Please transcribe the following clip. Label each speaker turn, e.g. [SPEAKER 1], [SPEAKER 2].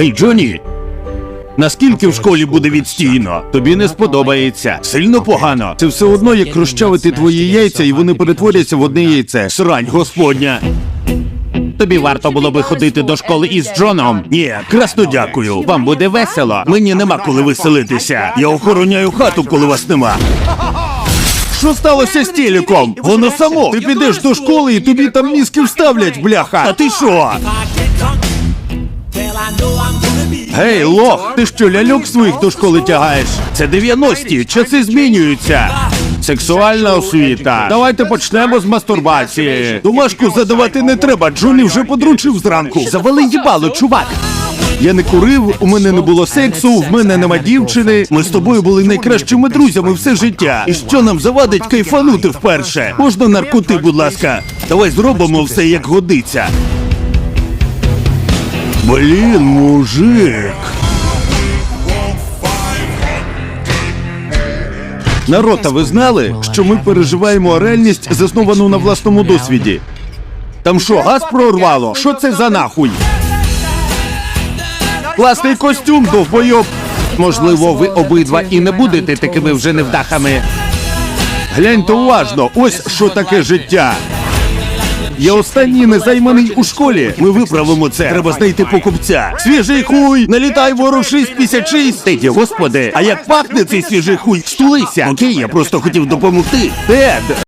[SPEAKER 1] Гей, Джонні! Наскільки в школі буде відстійно? Тобі не сподобається. Сильно погано. Це все одно, як розчавити твої яйця, і вони перетворяться в одне яйце. Срань господня. Тобі варто було би ходити до школи із Джоном. Ні, красно дякую. Вам буде весело. Мені нема коли веселитися. Я охороняю хату, коли вас нема. Що сталося з телеком? Воно само. Ти підеш до школи і тобі там мізки вставлять, бляха. А ти що? Гей, лох, ти що, ляльок своїх до школи тягаєш? Це 90-ті, часи змінюються. Сексуальна освіта. Давайте почнемо з мастурбації. Домашку задавати не треба, Джонні вже подручив зранку. Завали їбало, чувак. Я не курив, у мене не було сексу, в мене нема дівчини. Ми з тобою були найкращими друзями все життя. І що нам завадить кайфанути вперше? Можна наркоти, будь ласка? Давай зробимо все як годиться. Блін, мужик. Народ, а ви знали, що ми переживаємо реальність, засновану на власному досвіді? Там що, газ прорвало? Що це за нахуй? Класний костюм, довбойоб. Можливо, ви обидва і не будете такими вже невдахами. Гляньте уважно, ось що таке життя. Я останній незайманий у школі. Ми виправимо це. Треба знайти покупця. Свіжий хуй! Налітай, ворушись, 56! Теді, господи, а як пахне цей свіжий хуй? Стулися! Окей, я просто хотів допомогти. Тед!